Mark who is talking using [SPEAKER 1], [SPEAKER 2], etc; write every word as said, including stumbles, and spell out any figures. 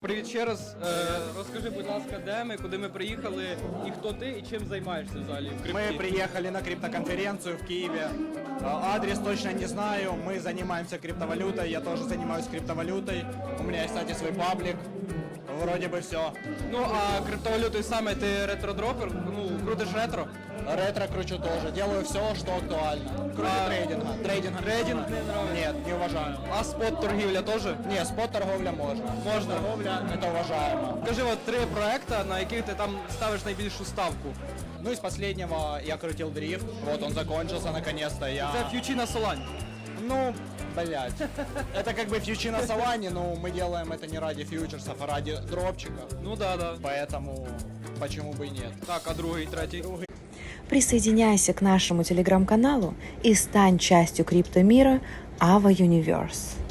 [SPEAKER 1] Привіт ще раз. Е, розкажи, будь ласка, де ми, куди ми приїхали, і хто ти, і чим займаєшся взагалі в крипті?
[SPEAKER 2] Мы приехали на криптоконференцию в Киеве. А, Адрес точно не знаю. Мы занимаемся криптовалютой. Я тоже занимаюсь криптовалютой. У меня есть, кстати, свой паблик. Вроде бы все.
[SPEAKER 1] Ну, а криптовалютою саме ти ретродропер, ну, крутиш ретро?
[SPEAKER 2] Ретро кручу тоже. Делаю все, что актуально. Кроме
[SPEAKER 1] А,
[SPEAKER 2] трейдинга. Трейдинга
[SPEAKER 1] трейдинг не нравится?
[SPEAKER 2] Нет, не уважаю.
[SPEAKER 1] А спот торгівля теж?
[SPEAKER 2] Не, спот торговля можно.
[SPEAKER 1] Можно.
[SPEAKER 2] Торговля это уважаемо.
[SPEAKER 1] Скажи, от три проекти, на яких ти там ставиш найбільшу ставку.
[SPEAKER 2] Ну из последнего я крутил дрифт. Вот он закончился наконец-то. Я...
[SPEAKER 1] Це фьючі на Солань.
[SPEAKER 2] Ну, блять. Это как бы фьючи на Солане, но мы делаем это не ради фьючерсов, а ради дропчика.
[SPEAKER 1] Ну да, да.
[SPEAKER 2] Поэтому почему бы и нет.
[SPEAKER 1] Так, а другий, третій?
[SPEAKER 3] Присоединяйся к нашему телеграм-каналу и стань частью криптомира Ava Universe.